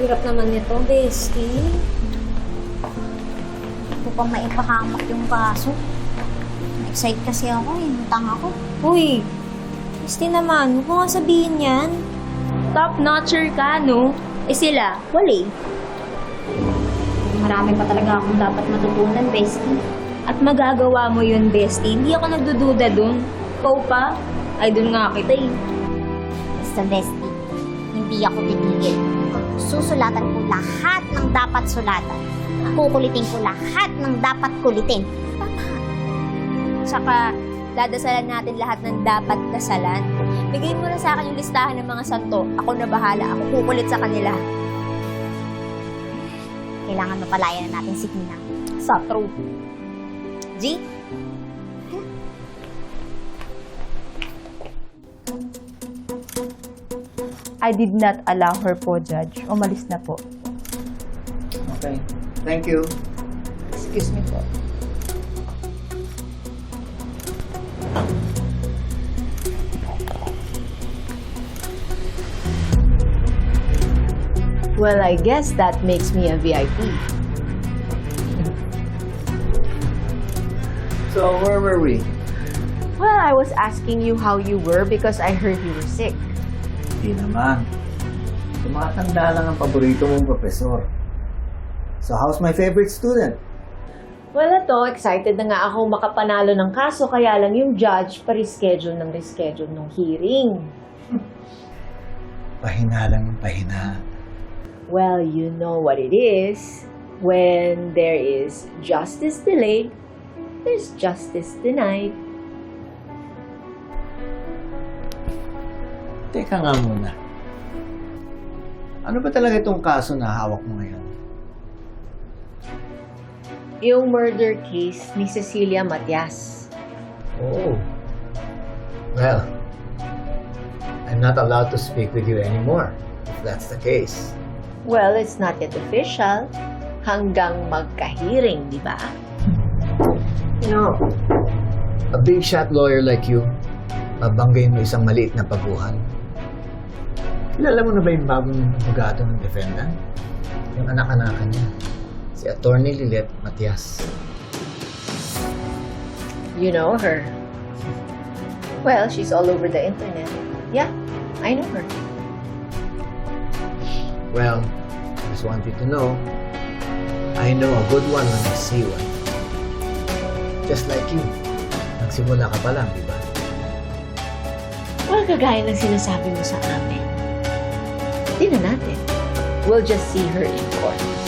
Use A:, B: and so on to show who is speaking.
A: hirap naman nito, bestie.
B: Ito pang maipahamak yung kaso. Na-excite kasi ako eh. Nutang ako.
A: Uy, bestie naman, huwag mo nga sabihin yan.
C: Top-notcher ka, no? Eh sila, wala eh.
B: Marami pa talaga akong dapat matutunan, bestie.
C: At magagawa mo yun, bestie. Hindi ako nagdududa dun. Ikaw pa? Idol nga kita eh.
B: Basta, bestie, hindi ako titigil. Susulatan ko lahat ng dapat sulatan. Kukulitin ko lahat ng dapat kulitin.
C: Tsaka, dadasalan natin lahat ng dapat dasalan. Bigay mo na sa akin yung listahan ng mga santo. Ako na bahala. Ako kukulit sa kanila.
B: Kailangan mapalaya na natin si Tina.
C: Sa true.
B: G?
D: I did not allow her po, Judge. Umalis na po.
E: Okay. Thank you.
D: Excuse me po. Well, I guess that makes me a VIP.
E: So, where were we?
D: Well, I was asking you how you were because I heard you were sick.
E: Hindi naman. Tumatanda lang ang paborito mong profesor. So, how's my favorite student?
D: Well, ito, excited na nga ako makapanalo ng kaso, kaya lang yung judge pa-reschedule ng hearing.
E: Pahina lang ang pahina.
D: Well, you know what it is. When there is justice delayed, there's justice denied.
E: Teka nga muna. Ano ba talaga itong kaso na hawak mo ngayon?
D: Yung murder case ni Cecilia Matias.
E: Oh. Well, I'm not allowed to speak with you anymore, if that's the case.
D: Well, it's not yet official. Hanggang magka-hearing, di ba?
E: You know, a big shot lawyer like you, babanggayin mo isang maliit na paguhan. Kilala mo na ba yung bagong abogado ng defendant? Yung anak-anakan niya, si Attorney Lilet Matias.
D: You know her. Well, she's all over the internet. Yeah, I know her.
E: Well, just want you to know, I know a good one when I see one. Just like you, nagsimula ka pa lang, di ba?
D: Well, kagaya ng sinasabi mo sa amin. Hindi na natin. We'll just see her in court.